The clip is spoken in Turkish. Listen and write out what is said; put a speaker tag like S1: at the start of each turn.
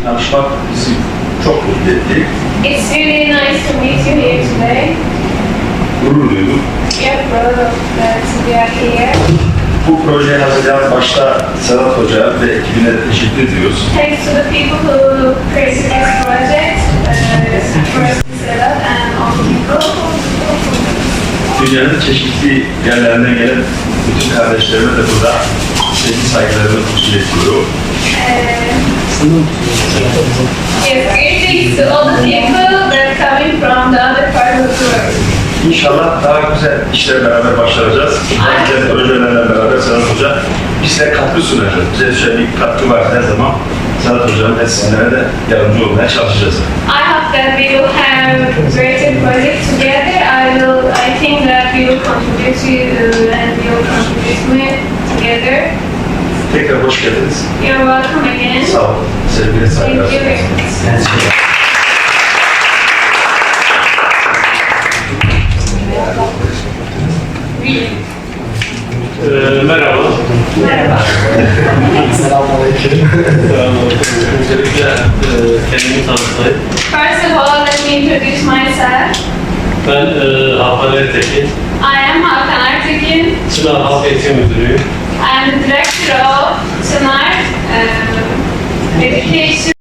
S1: tanışmak bizi çok mutlu etti.
S2: It's really nice to meet you here today.
S1: Gurur duydum.
S2: Yeah, proud of that we are here.
S1: Bu projeyi hazırlayan başta Sedat Hoca ve ekibine teşekkür ediyoruz.
S2: Thanks to the people who created this project, first Sedat and all the people.
S1: Dünyanın çeşitli yerlerinden gelen bütün kardeşlerime de burada sevgi saygılarımı iletiyorum.
S2: Yes, greetings to all the people that are coming from the other part of the world.
S1: İnşallah daha güzel işler beraber başaracağız. Daha güzel projelerle beraber Sedat Hoca bize katkı sunacak. Bize düşen bir katkı var her zaman. Sedat Hoca'nın ve sizlere de yardımcı olmaya çalışacağız.
S2: I hope that we will have greater projects together. I think that we will contribute to and we will contribute together.
S1: Tekrar hoş geldiniz.
S2: You're welcome again.
S1: Sağ olun. Sevgiyle
S2: Thank
S1: saygılar.
S2: you very much.
S3: Merhaba.
S2: Merhaba.
S3: Selamünaleyküm. Öncelikle kendimi tanıtayım.
S2: First of all, let me introduce myself.
S3: Ben Hakan Ertekin.
S2: I am Hakan Ertekin.
S3: Çınar Halk Eğitim Müdürüyüm.
S2: I am the director of Çınar Education.